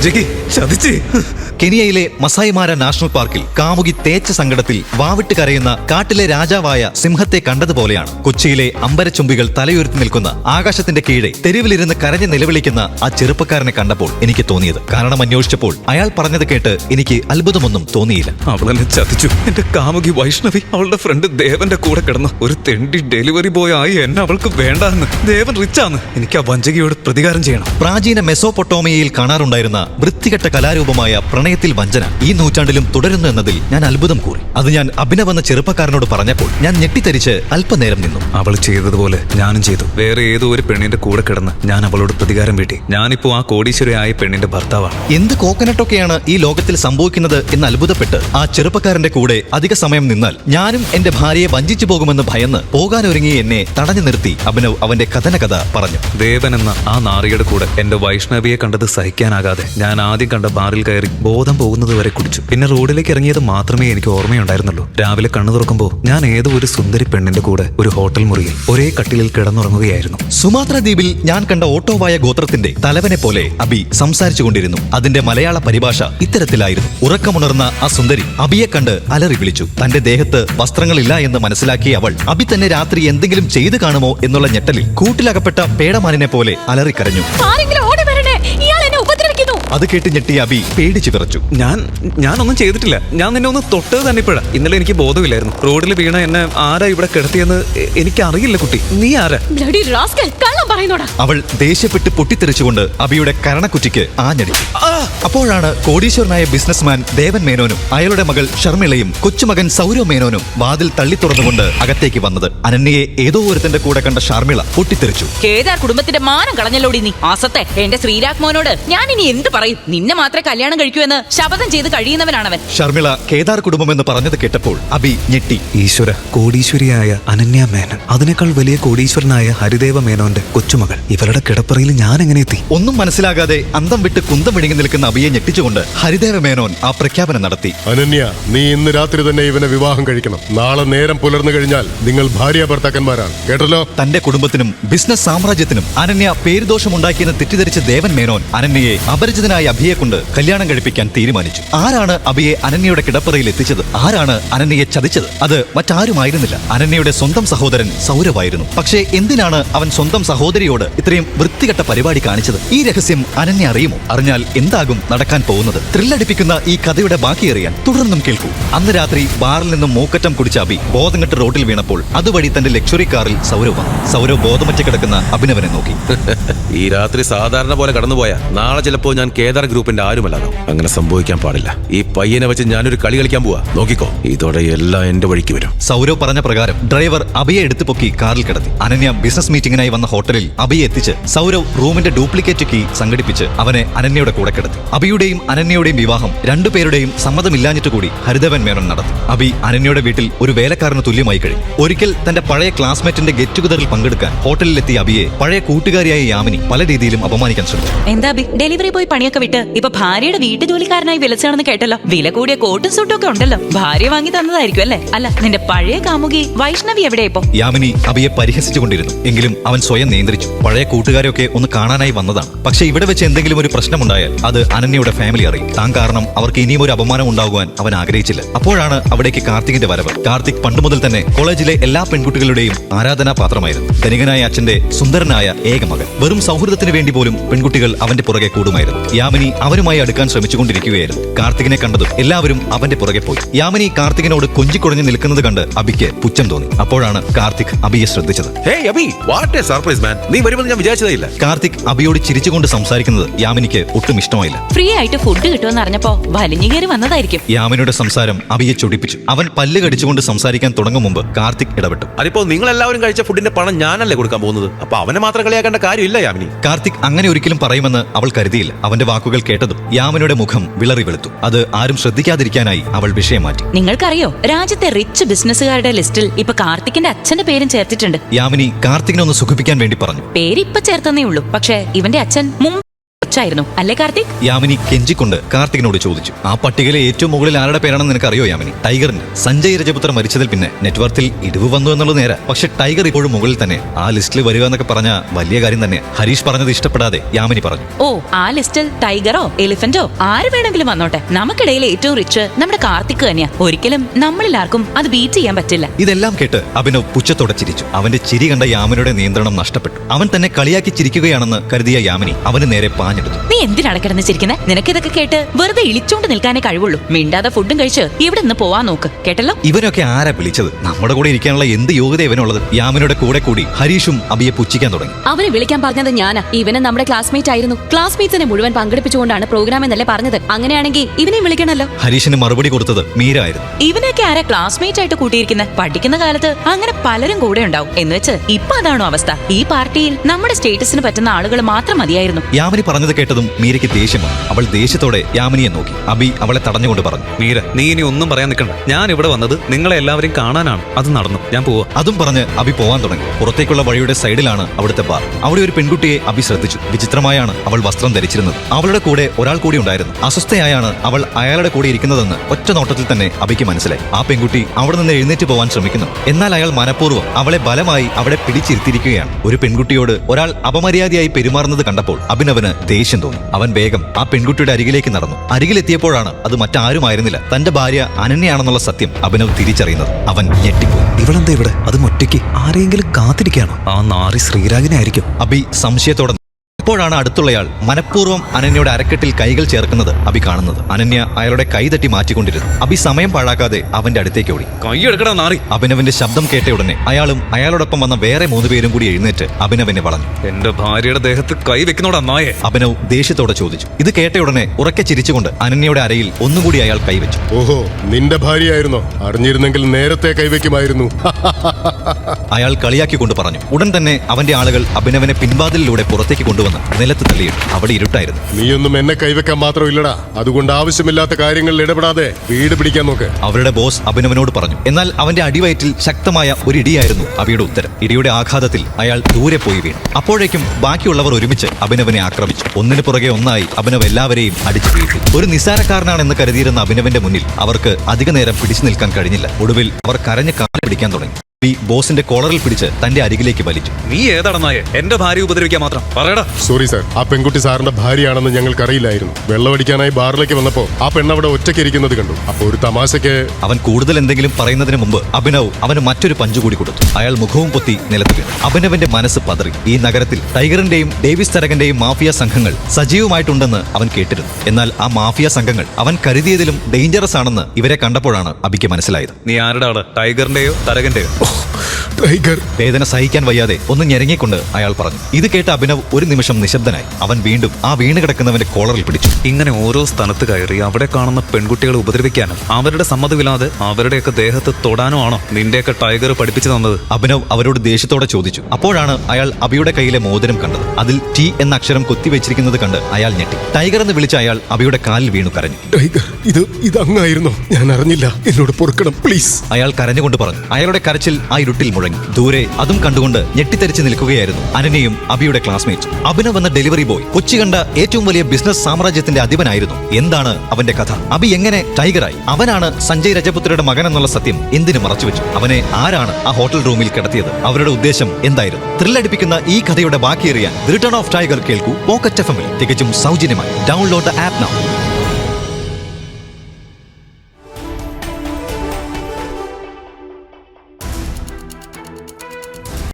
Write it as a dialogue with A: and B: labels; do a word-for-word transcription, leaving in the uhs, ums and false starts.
A: കെനിയയിലെ മസായിമാര national പാർക്കിൽ കാമുകി തേച്ച സങ്കടത്തിൽ വാവിട്ട് കരയുന്ന കാട്ടിലെ രാജാവായ സിംഹത്തെ കണ്ടതുപോലെയാണ് കൊച്ചിയിലെ അമ്പരച്ചുംബികൾ തലയുയർത്തി നിൽക്കുന്ന ആകാശത്തിന്റെ കീഴെ തെരുവിലിരുന്ന് കരഞ്ഞ് നിലവിളിക്കുന്ന ആ ചെറുപ്പക്കാരനെ കണ്ടപ്പോൾ എനിക്ക് തോന്നിയത്. കാരണം അന്വേഷിച്ചപ്പോൾ അയാൾ പറഞ്ഞത് കേട്ട് എനിക്ക് അത്ഭുതമൊന്നും തോന്നിയില്ല.
B: അവളെന്നെ ചതിച്ചു. എന്റെ കാമുകി വൈഷ്ണവി അവളുടെ ഫ്രണ്ട് ദേവന്റെ കൂടെ കിടന്നു ഒരു തെണ്ടി ഡെലിവറി ബോയ് ആയി എന്നെ അവൾക്ക് വേണ്ടാന്ന്. ദേവൻ റിച്ചാന്ന്. എനിക്ക് ആ വഞ്ചകിയോട് പ്രതികാരം ചെയ്യണം.
A: പ്രാചീന മെസോപ്പൊട്ടോമിയയിൽ കാണാറുണ്ടായിരുന്ന വൃത്തികെട്ട കലാരൂപമായ പ്രണയത്തിൽ വഞ്ചന ഈ നൂറ്റാണ്ടിലും തുടരുന്നു എന്നതിൽ ഞാൻ അത്ഭുതം കൂറി. അത് ഞാൻ അഭിനവ് എന്ന ചെറുപ്പക്കാരനോട് പറഞ്ഞപ്പോൾ ഞാൻ ഞെട്ടിത്തരിച്ച് അല്പനേരം നിന്നു.
B: അവൾ ചെയ്തതുപോലെ ഞാനും ചെയ്തു. വേറെ ഏതോ ഒരു പെണ്ണിന്റെ കൂടെ കിടന്ന് ഞാൻ അവളോട് പ്രതികാരം വീട്ടി. ഞാനിപ്പോ ആ കോടീശ്വരയായ പെണ്ണിന്റെ ഭർത്താവാണ്.
A: എന്ത് കോക്കനട്ടൊക്കെയാണ് ഈ ലോകത്തിൽ സംഭവിക്കുന്നത് എന്ന് അത്ഭുതപ്പെട്ട് ആ ചെറുപ്പക്കാരന്റെ കൂടെ അധിക സമയം നിന്നാൽ ഞാനും എന്റെ ഭാര്യയെ വഞ്ചിച്ചു പോകുമെന്ന് ഭയന്ന് പോകാനൊരുങ്ങി എന്നെ തടഞ്ഞു നിർത്തി അഭിനവ് അവന്റെ കഥന കഥ പറഞ്ഞു.
B: ദേവൻ എന്ന ആ നാറിയുടെ കൂടെ എന്റെ വൈഷ്ണവിയെ കണ്ടത് സഹിക്കാനാകാതെ ഞാൻ ആദ്യം കണ്ട ബാറിൽ കയറി ബോധം പോകുന്നത് വരെ കുടിച്ചു. പിന്നെ റോഡിലേക്ക് ഇറങ്ങിയത് മാത്രമേ എനിക്ക് ഓർമ്മയുണ്ടായിരുന്നുള്ളൂ. രാവിലെ കണ്ണു തുറക്കുമ്പോൾ ഞാൻ ഏതോ ഒരു സുന്ദരി പെണ്ണിന്റെ കൂടെ ഒരു ഹോട്ടൽ മുറിയിൽ ഒരേ കട്ടിലിൽ കിടന്നുറങ്ങുകയായിരുന്നു.
A: സുമാത്ര ദ്വീപിൽ ഞാൻ കണ്ട ഓട്ടോവായ ഗോത്രത്തിന്റെ തലവനെ പോലെ അബി സംസാരിച്ചു കൊണ്ടിരുന്നു. അതിന്റെ മലയാള പരിഭാഷ ഇത്തരത്തിലായിരുന്നു. ഉറക്കമുണർന്ന ആ സുന്ദരി അബിയെ കണ്ട് അലറി വിളിച്ചു. തന്റെ ദേഹത്ത് വസ്ത്രങ്ങളില്ല എന്ന് മനസ്സിലാക്കിയ അവൾ അബി തന്നെ രാത്രി എന്തെങ്കിലും ചെയ്തു കാണുമോ എന്നുള്ള ഞെട്ടലിൽ കൂട്ടിലകപ്പെട്ട പേടമാനിനെ പോലെ അലറിക്കരഞ്ഞു. അത് കേട്ട് ഞെട്ടിയ അബി പേടിച്ചു വിറച്ചു.
B: ഞാൻ ഞാനൊന്നും ചെയ്തിട്ടില്ല. ഞാൻ നിന്നെ ഒന്ന് തൊട്ടത് തന്നെ ഇപ്പോഴാ. ഇന്നലെ എനിക്ക് ബോധമില്ലായിരുന്നു. റോഡിൽ വീണ എന്നെ ആരാ ഇവിടെ കിടത്തിയെന്ന് എനിക്ക് അറിയില്ല. കുട്ടി, നീ ആരാ?
A: അവൾ ദേഷ്യപ്പെട്ട് പൊട്ടിത്തെറിച്ചുകൊണ്ട് അബിയുടെ കരണക്കുറ്റിക്ക് ആഞ്ഞടിച്ചു. അപ്പോഴാണ് കോടീശ്വരനായ ബിസിനസ്മാൻ ദേവൻ മേനോനും അയാളുടെ മകൾ ഷർമിളയും കൊച്ചുമകൻ സൗരവ് മേനോനും വാതിൽ തള്ളി തുറന്നുകൊണ്ട് അകത്തേക്ക് വന്നത്. അനന്യയെ ഏതോ ഒരുത്തന്റെ കൂടെ കണ്ട ഷർമിള പൊട്ടിത്തെറിച്ചു.
C: കേദാർ കുടുംബത്തിന്റെ മാനം കളഞ്ഞല്ലോടി നീ. ആസത്തെ എന്റെ ശ്രീരാഗ് മോനോട് ഞാൻ ഇനി എന്ത് പറയും? നിന്നെ മാത്രമേ കല്യാണം കഴിക്കൂ എന്ന് ശപഥം ചെയ്ത് കഴിയുന്നവനാണവൻ.
A: ഷർമിള കേദാർ കുടുംബമെന്ന് പറഞ്ഞത് കേട്ടപ്പോൾ അബി ഞെട്ടി.
B: ഈശ്വര, കോടീശ്വരിയായ അനന്യ മേനൻ, അതിനേക്കാൾ വലിയ കോടീശ്വരനായ ഹരിദേവ മേനോന്റെ കൊച്ചുമകൾ, ഇവരുടെ കിടപ്പറയിൽ ഞാൻ എങ്ങനെ എത്തി?
A: ഒന്നും മനസ്സിലാകാതെ അന്തം വിട്ട് കുന്തം വിഴുങ്ങി നിൽക്കുന്ന അബിയെ ഞെട്ടിച്ചുകൊണ്ട് ഹരിദേവ മേനോൻ ആ പ്രഖ്യാപനം നടത്തി.
D: അനന്യ, നീ ഇന്ന് രാത്രി തന്നെ ഇവനെ വിവാഹം കഴിക്കണം. നാളെ നേരം പുലർന്നു കഴിഞ്ഞാൽ നിങ്ങൾ ഭാര്യ ഭർത്താക്കന്മാരാണ്. കേട്ടല്ലോ?
A: തന്റെ കുടുംബത്തിനും ബിസിനസ് സാമ്രാജ്യത്തിനും അനന്യ പേരുദോഷമുണ്ടാക്കിയെന്ന് തെറ്റിദ്ധരിച്ച ദേവൻ മേനോൻ അനന്യയെ അപരിചിതനായ അഭിയെ കൊണ്ട് കല്യാണം കഴിപ്പിക്കാൻ തീരുമാനിച്ചു. ആരാണ് അഭിയെ അനന്യയുടെ കിടപ്പറയിൽ എത്തിച്ചത്? ആരാണ് അനന്യയെ ചതിച്ചത്? അത് മറ്റാരുമായിരുന്നില്ല, അനന്യയുടെ സ്വന്തം സഹോദരൻ സൗരവായിരുന്നു. പക്ഷേ എന്തിനാണ് അവൻ സ്വന്തം സഹോദരിയോട് ഇത്രയും വൃത്തികെട്ട പരിപാടി കാണിച്ചത്? ഈ രഹസ്യം അനന്യ അറിയുമോ? അറിഞ്ഞാൽ എന്താകും നടക്കാൻ പോകുന്നത്? ത്രില്ലടിപ്പിക്കുന്ന ഈ കഥയുടെ ബാക്കി അറിയാൻ തുടർന്നും കേൾക്കൂ. അന്ന് രാത്രി ബാറിൽ നിന്നും മൂക്കറ്റം കുടിച്ച അബി ബോധം കെട്ട് റോഡിൽ വീണപ്പോൾ അതുവഴി തന്റെ ലക്ഷറി കാറിൽ സൗരവ് വന്നു. സൗരവ് ബോധമറ്റ് കിടക്കുന്ന അഭിനവനെ നോക്കി.
E: ഈ രാത്രി സാധാരണ പോലെ കടന്നുപോയാ നാളെ ചിലപ്പോ ഞാൻ കേദാർ ഗ്രൂപ്പിന്റെ ആരുമല്ലാകും. അങ്ങനെ സംഭവിക്കാൻ പാടില്ല. ഈ പയ്യനെ വെച്ച് ഞാനൊരു കളി കളിക്കാൻ പോവാ. നോക്കിക്കോ, ഇതോടെ എല്ലാം എന്റെ വഴിക്ക് വരും.
A: സൗരവ് പറഞ്ഞ പ്രകാരം ഡ്രൈവർ അബിയെ എടുത്തു പൊക്കി കാറിൽ കിടത്തി. അനന്യ ബിസിനസ് മീറ്റിംഗിനായി വന്ന ഹോട്ടലിൽ അബിയെ എത്തിച്ച് സൗരവ് റൂമിന്റെ ഡ്യൂപ്ലിക്കേറ്റ് കീ സംഘടിപ്പിച്ച് അവനെ അനന്യയുടെ കൂടെ കിടത്തി. അബിയുടെയും അനന്യയുടെയും വിവാഹം രണ്ടുപേരുടെയും സമ്മതമില്ലാഞ്ഞിട്ട് കൂടി ഹരിദേവൻ മേനോൻ നടത്തി. അബി അനന്യയുടെ വീട്ടിൽ ഒരു വേലക്കാരന് തുല്യമായി കഴിഞ്ഞു. ഒരിക്കൽ തന്റെ പഴയ ക്ലാസ്മേറ്റിന്റെ ഗെറ്റ് ടുഗദറിൽ പങ്കെടുക്കാൻ ഹോട്ടലിലെത്തിയ അബിയെ പഴയ കൂട്ടുകാരിയായ യാമിനി പല രീതിയിലും അപമാനിക്കാൻ ശ്രമിച്ചു.
C: എന്താ അബി, ഡെലിവറി ബോയ് പണിയൊക്കെ വിട്ട് ഇപ്പൊ ഭാര്യയുടെ വീട്ടു ജോലിക്കാരനായി വിളിച്ചാണെന്ന് കേട്ടല്ലോ. വില കൂടിയ കോട്ടും സൂട്ടും ഒക്കെ ഉണ്ടല്ലോ. ഭാര്യ വാങ്ങി തന്നതായിരിക്കും അല്ലേ? അല്ല, നിന്റെ പഴയ കാമുകി വൈഷ്ണവി എവിടെ ഇപ്പോ?
A: യാമിനി അബിയെ പരിഹസിച്ചുകൊണ്ടിരുന്നു. എങ്കിലും അവൻ സ്വയം നിയന്ത്രിച്ചു. പഴയ കൂട്ടുകാരൊക്കെ ഒന്ന് കാണാനായി വന്നതാണ്. പക്ഷേ ഇവിടെ വെച്ച് എന്തെങ്കിലും ഒരു പ്രശ്നമുണ്ടായാൽ അത് അനന്യയുടെ ഫാമിലി അറിയും. താൻ കാരണം അവർക്ക് ഇനിയും ഒരു അപമാനം ഉണ്ടാകുവാൻ അവൻ ആഗ്രഹിച്ചില്ല. അപ്പോഴാണ് അവിടേക്ക് കാർത്തികിന്റെ വരവ്. കാർത്തിക് പണ്ടുമുതൽ തന്നെ കോളേജിലെ എല്ലാ പെൺകുട്ടികളുടെയും ആരാധനാ പാത്രമായിരുന്നു. ധനികനായ അച്ഛന്റെ സുന്ദരനായ ഏക മകൻ. വെറും സൗഹൃദത്തിന് വേണ്ടി പോലും പെൺകുട്ടികൾ അവന്റെ പുറകെ കൂടുമായിരുന്നു. യാമിനി അവരുമായി അടുക്കാൻ ശ്രമിച്ചുകൊണ്ടിരിക്കുകയായിരുന്നു. കാർത്തികിനെ കണ്ടതും എല്ലാവരും അവന്റെ പുറകെ പോയി. യാമിനി കാർത്തികിനോട് കൊഞ്ചിക്കുടഞ്ഞു നിൽക്കുന്നത് കണ്ട് അബിക്ക് പുച്ഛം തോന്നി. അപ്പോഴാണ് കാർത്തിക് അബിയെ ശ്രദ്ധിച്ചത്. കാർത്തിക് അബിയോട് ചിരിച്ചുകൊണ്ട് സംസാരിക്കുന്നത് യാമിനിക്ക് ഒട്ടും ഇഷ്ടമായില്ല.
C: ഫ്രീ ആയിട്ട് ഫുഡ് കിട്ടുമെന്ന് അറിഞ്ഞപ്പോ വലിഞ്ഞു കയറി വന്നതായിരിക്കും.
A: യാമിനിയുടെ സംസാരം അബിയെ ചൊടിപ്പിച്ചു. അവൻ പല്ല് കടിച്ചുകൊണ്ട് സംസാരിക്കാൻ തുടങ്ങും മുമ്പ് കാർത്തിക് ഇടപെട്ടു.
E: അതിപ്പോ നിങ്ങൾ എല്ലാവരും കഴിച്ച ഫുഡിന്റെ പണം ഞാനല്ലേ കൊടുക്കാൻ പോകുന്നത്? അപ്പൊ അവനെ മാത്രം കളിയാക്കേണ്ട കാര്യമില്ല യാമിനി.
A: കാർത്തിക് അങ്ങനെ ഒരിക്കലും പറയുമെന്ന് അവൾ കരുതിയില്ല. അവന്റെ വാക്കുകൾ കേട്ടതും യാമിനിയുടെ മുഖം വിളറി വെളുത്തു. അത് ആരും ശ്രദ്ധിക്കാതിരിക്കാനായി അവൾ വിഷയം മാറ്റി.
C: നിങ്ങൾക്കറിയോ, രാജ്യത്തെ റിച്ച് ബിസിനസ്സുകാരുടെ ലിസ്റ്റിൽ ഇപ്പൊ കാർത്തിക്കിന്റെ അച്ഛന്റെ പേരും ചേർത്തിട്ടുണ്ട്.
A: യാമിനി കാർത്തികിനെ ഒന്ന് സുഖിപ്പിക്കാൻ വേണ്ടി പറഞ്ഞു.
C: പേര് ഇപ്പൊ ചേർത്തന്നേ ഉള്ളൂ. പക്ഷേ ഇവന്റെ അച്ഛൻ മുമ്പ് റിച്ച് ആയിരുന്നു, അല്ലേ കാർത്തിക്?
A: യാമിനി കെഞ്ചിക്കൊണ്ട് കാർത്തികിനോട് ചോദിച്ചു. ആ പട്ടികയിലെ ഏറ്റവും മുകളിൽ ആരുടെ പേരാണെന്ന് നിനക്കറിയോ യാമിനി? ടൈഗറിന്. സഞ്ജയ് രജപുത്ര മരിച്ചതിൽ പിന്നെ നെറ്റ്വർത്തിൽ ഇടിവ് വന്നു എന്നുള്ളത് നേരെ, പക്ഷെ ടൈഗർ ഇപ്പോഴും മുകളിൽ തന്നെ. ആ ലിസ്റ്റിൽ വരിക എന്നൊക്കെ പറഞ്ഞ വലിയ കാര്യം തന്നെ. ഹരീഷ് പറഞ്ഞത് ഇഷ്ടപ്പെടാതെ യാമിനി പറഞ്ഞു.
C: ഓ, ആ ലിസ്റ്റിൽ ടൈഗറോ എലിഫന്റോ ആര് വേണമെങ്കിലും വന്നോട്ടെ, നമുക്കിടയിൽ ഏറ്റവും റിച്ച് നമ്മുടെ കാർത്തിക് തന്നെയാ. ഒരിക്കലും നമ്മളിൽ ആർക്കും അത് ബീറ്റ് ചെയ്യാൻ പറ്റില്ല.
A: ഇതെല്ലാം കേട്ട് അഭിനവ് പുച്ഛത്തോടെ ചിരിച്ചു. അവന്റെ ചിരി കണ്ട യാമിനിയുടെ നിയന്ത്രണം നഷ്ടപ്പെട്ടു. അവൻ തന്നെ കളിയാക്കി ചിരിക്കുകയാണെന്ന് കരുതിയ യാമിനി അവന് നേരെ പാഞ്ഞെടുത്തു.
C: നീ എന്തിനാണ് കിടന്ന് ചിരിക്കുന്നത്? നിനക്കിതൊക്കെ കേട്ട് വെറുതെ ഇളിച്ചോണ്ട് നിൽക്കാനേ കഴിവുള്ളൂ. മിണ്ടാതെ ഫുഡും കഴിച്ച് ഇവിടെ നിന്ന് പോവാൻ നോക്ക്, കേട്ടല്ലോ?
A: ഇവനൊക്കെ ആരാ വിളിച്ചത്? നമ്മുടെ കൂടെ ഇരിക്കാനുള്ള എന്ത് യോഗ്യത ഇവനുള്ളത്? യാമിനിയുടെ കൂടെ കൂടി ഹരീഷും അബിയെ പുച്ഛിക്കാൻ തുടങ്ങി.
F: അവനെ വിളിക്കാൻ പറഞ്ഞത് ഞാനാ. ഇവന് നമ്മുടെ ക്ലാസ്മേറ്റ് ആയിരുന്നു. ക്ലാസ്മേറ്റ്സിനെ മുഴുവൻ പങ്കെടുപ്പിച്ചുകൊണ്ടാണ് പ്രോഗ്രാം എന്നല്ലേ പറഞ്ഞത്. അങ്ങനെയാണെങ്കിൽ ഇവനെ വിളിക്കണല്ലോ.
A: ഹരീഷിന് മറുപടി കൊടുത്തത് മീര ആയിരുന്നു.
C: ഇവനൊക്കെ ആരാ ക്ലാസ്മേറ്റ് ആയിട്ട് കൂട്ടിയിരിക്കുന്നത്? പഠിക്കുന്ന കാലത്ത് അങ്ങനെ പലരും കൂടെ ഉണ്ടാവും എന്ന് വെച്ച് ഇപ്പൊ അതാണോ അവസ്ഥ? ഈ പാർട്ടിയിൽ നമ്മുടെ സ്റ്റേറ്റസിന് പറ്റുന്ന ആളുകൾ മാത്രം മതിയായിരുന്നു.
A: യാമിനി പറഞ്ഞത് കേട്ടതും മീരയ്ക്ക് ദേഷ്യം വന്നു. അവൾ ദേഷ്യത്തോടെ യാമിനിയെ നോക്കി. അബി അവളെ തടഞ്ഞുകൊണ്ട് പറഞ്ഞു.
B: മീര, നീ ഇനി ഒന്നും പറയാൻ നിൽക്കണ്ട. ഞാൻ ഇവിടെ വന്നത് നിങ്ങളെ എല്ലാവരെയും കാണാനാണ്. അത് നടന്നു, ഞാൻ പോവാ.
A: അതും പറഞ്ഞ് അബി പോവാൻ തുടങ്ങി. പുറത്തേക്കുള്ള വഴിയുടെ സൈഡിലാണ് അവിടുത്തെ ബാർ. അവിടെ ഒരു പെൺകുട്ടിയെ അബി ശ്രദ്ധിച്ചു. വിചിത്രമായാണ് അവൾ വസ്ത്രം ധരിച്ചിരുന്നത്. അവളുടെ കൂടെ ഒരാൾ കൂടി ഉണ്ടായിരുന്നു. അസ്വസ്ഥയായാണ് അവൾ അയാളുടെ കൂടെ ഇരിക്കുന്നതെന്ന് ഒറ്റ നോട്ടത്തിൽ തന്നെ അബിക്ക് മനസ്സിലായി. ആ പെൺകുട്ടി അവിടെ നിന്ന് എഴുന്നേറ്റ് പോവാൻ ശ്രമിക്കുന്നു. എന്നാൽ അയാൾ മനഃപൂർവ്വം അവളെ ബലമായി അവിടെ പിടിച്ചിരുത്തിയിരിക്കുകയാണ്. ഒരു പെൺകുട്ടിയോട് ഒരാൾ അപമര്യാദയായി പെരുമാറുന്നത് കണ്ടപ്പോൾ അഭിനവന് ദേഷ്യം തോന്നി. അവൻ വേഗം ആ പെൺകുട്ടിയുടെ അരികിലേക്ക് നടന്നു. അരികിലെത്തിയപ്പോഴാണ് അത് മറ്റാരുമായിരുന്നില്ല, തന്റെ ഭാര്യ അനന്യയാണെന്നുള്ള സത്യം അഭിനവ് തിരിച്ചറിയുന്നത്. അവൻ ഞെട്ടിപ്പോയി.
B: ഇവളെന്താ ഇവിടെ? അത് ഒറ്റയ്ക്ക് ആരെങ്കിലും കാത്തിരിക്കുകയാണോ? ആ നാറി ശ്രീരാഗിനെ ആയിരിക്കും.
A: അബി സംശയത്തോടെ. അപ്പോഴാണ് അടുത്തുള്ളയാൾ മനഃപൂർവ്വം അനന്യയുടെ അരക്കെട്ടിൽ കൈകൾ ചേർക്കുന്നത് അബി കാണുന്നത്. അനന്യ അയാളുടെ കൈ തട്ടി മാറ്റിക്കൊണ്ടിരുന്നു. അബി സമയം പാഴാക്കാതെ അവന്റെ അടുത്തേക്ക് ഓടി.
B: കൈയെടുക്കടാ നാറി!
A: അഭിനവന്റെ ശബ്ദം കേട്ട ഉടനെ അയാളും അയാളോടൊപ്പം വന്ന വേറെ മൂന്ന് പേരും കൂടി എഴുന്നേറ്റ് അഭിനവനെ വളഞ്ഞു.
B: എന്റെ ഭാര്യയുടെ ദേഹത്ത് കൈ വെക്കുന്നോടാ നായെ!
A: അഭിനവ് ദേഷ്യത്തോടെ ചോദിച്ചു. ഇത് കേട്ട ഉടനെ ഉറക്കെ ചിരിച്ചുകൊണ്ട് അനന്യയുടെ അരയിൽ ഒന്നുകൂടി അയാൾ കൈവച്ചു.
D: ഓഹോ, നിന്റെ ഭാര്യയായിരുന്നോ? അറിഞ്ഞിരുന്നെങ്കിൽ നേരത്തെ കൈവയ്ക്കുമായിരുന്നു.
A: അയാൾ കളിയാക്കിക്കൊണ്ട് പറഞ്ഞു. ഉടൻ തന്നെ അവന്റെ ആളുകൾ അഭിനവനെ പിൻവാതിലിലൂടെ പുറത്തേക്ക് കൊണ്ടുവന്നു നിലത്ത് തള്ളിയിട്ടു. അവിടെ ഇരുട്ടായിരുന്നു.
D: നീയൊന്നും എന്നെ കൈവെക്കാൻ മാത്രമില്ലടാ. അതുകൊണ്ട് ആവശ്യമില്ലാത്ത കാര്യങ്ങളിൽ ഇടപെടാതെ വീട് പിടിക്കാൻ നോക്ക്.
A: അവരുടെ ബോസ് അഭിനവനോട് പറഞ്ഞു. എന്നാൽ അവന്റെ അടിവയറ്റിൽ ശക്തമായ ഒരു ഇടിയായിരുന്നു അബിയുടെ ഉത്തരം. ഇടിയുടെ ആഘാതത്തിൽ അയാൾ ദൂരെ പോയി വീണു. അപ്പോഴേക്കും ബാക്കിയുള്ളവർ ഒരുമിച്ച് അഭിനവനെ ആക്രമിച്ചു. ഒന്നിനു പുറകെ ഒന്നായി അഭിനവ് എല്ലാവരെയും അടിച്ചു വീഴ്ത്തി. ഒരു നിസ്സാരക്കാരനാണെന്ന് കരുതിയിരുന്ന അഭിനവന്റെ മുന്നിൽ അവർക്ക് അധിക നേരം പിടിച്ചു നിൽക്കാൻ കഴിഞ്ഞില്ല. ഒടുവിൽ അവർ കരഞ്ഞ് കാല് പിടിക്കാൻ തുടങ്ങി. ബോസിന്റെ കോളറിൽ പിടിച്ച് തന്റെ അരികിലേക്ക് വലിച്ചു.
B: നീ ഏതാണ് നായെ? എന്റെ ഭാര്യ ഉപദ്രവിക്കാൻ മാത്രം പറയടാ.
D: സോറി സാർ, ആ പെൺകുട്ടി സാറിന്റെ ഭാര്യയാണെന്ന് ഞങ്ങൾക്കറിയില്ലായിരുന്നു. വെള്ളമടിക്കാനായി ബാറിലേക്ക് വന്നപ്പോ ആ പെണ്ണവിടെ ഒറ്റയ്ക്ക് ഇരിക്കുന്നത് കണ്ടു. അപ്പൊ ഒരു തമാശയ്ക്ക്.
A: അവൻ കൂടുതൽ എന്തെങ്കിലും പറയുന്നതിന് മുമ്പ് അഭിനവ് അവന് മറ്റൊരു പഞ്ചു കൂടി കൊടുത്തു. അയാൾ മുഖവും പൊത്തി നിലത്ത് വീണു. അഭിനവന്റെ മനസ്സ് പതറി. ഈ നഗരത്തിൽ ടൈഗറിന്റെയും ഡേവിസ് തരകന്റെയും മാഫിയ സംഘങ്ങൾ സജീവമായിട്ടുണ്ടെന്ന് അവൻ കേട്ടിരുന്നു. എന്നാൽ ആ മാഫിയ സംഘങ്ങൾ അവൻ കരുതിയതിലും ഡേഞ്ചറസ് ആണെന്ന് ഇവരെ കണ്ടപ്പോഴാണ് അബിക്ക് മനസ്സിലായത്.
B: നീ ആരുടെ ആള്? ടൈഗറിന്റെയോ തരകന്റെയോ?
D: ടൈഗർ.
A: വേദന സഹിക്കാൻ വയ്യാതെ ഒന്ന് ഞെരങ്ങിക്കൊണ്ട് അയാൾ പറഞ്ഞു. ഇത് കേട്ട അഭിനവ് ഒരു നിമിഷം നിശബ്ദനായി. അവൻ വീണ്ടും ആ വീണ് കിടക്കുന്നവന്റെ കോളറിൽ പിടിച്ചു.
B: ഇങ്ങനെ ഓരോ സ്ഥലത്ത് കയറി അവിടെ കാണുന്ന പെൺകുട്ടികളെ ഉപദ്രവിക്കാനും അവരുടെ സമ്മതമില്ലാതെ അവരുടെയൊക്കെ ദേഹത്ത് തൊടാനോ ആണോ നിന്റെയൊക്കെ ടൈഗർ പഠിപ്പിച്ചു തന്നത്?
A: അഭിനവ് അവരോട് ദേഷ്യത്തോടെ ചോദിച്ചു. അപ്പോഴാണ് അയാൾ അബിയുടെ കയ്യിലെ മോതിരം കണ്ടത്. അതിൽ ടി എന്ന അക്ഷരം കൊത്തിവെച്ചിരിക്കുന്നത് കണ്ട് അയാൾ ഞെട്ടി. ടൈഗർ എന്ന് വിളിച്ച അയാൾ അബിയുടെ കാലിൽ വീണു കരഞ്ഞു.
D: ടൈഗർ, ഇത് ഇത് അങ്ങായിരുന്നോ? ഞാൻ അറിഞ്ഞില്ല. എന്നോട് പൊറുക്കണം പ്ലീസ്.
A: അയാൾ കരഞ്ഞുകൊണ്ട് പറഞ്ഞു. അയാളുടെ കരച്ചിൽ ആ ഇരുട്ടിൽ മുഴങ്ങി. ദൂരെ അതും കണ്ടുകൊണ്ട് ഞെട്ടിത്തെറിച്ച് നിൽക്കുകയായിരുന്നു അനന്യയും അബിയുടെ ക്ലാസ്മേറ്റ്സും. അഭിനവ് എന്ന ഡെലിവറി ബോയ് കൊച്ചി കണ്ട ഏറ്റവും വലിയ ബിസിനസ് സാമ്രാജ്യത്തിന്റെ അധിപനായിരുന്നു. എന്താണ് അവന്റെ കഥ? അബി എങ്ങനെ ടൈഗറായി? അവനാണ് സഞ്ജയ് രജപുത്രയുടെ മകൻ എന്നുള്ള സത്യം എന്തിനു മറച്ചുവെച്ചു? അവനെ ആരാണ് ആ ഹോട്ടൽ റൂമിൽ കിടത്തിയത്? അവരുടെ ഉദ്ദേശം എന്തായിരുന്നു? ത്രില്ലടിപ്പിക്കുന്ന ഈ കഥയുടെ ബാക്കിയേറിയാൻ ദി റിട്ടേൺ ഓഫ് ടൈഗർ കേൾക്കൂ പോക്കറ്റ് എഫ് എമ്മിൽ തികച്ചും സൗജന്യമായി. Download the app now.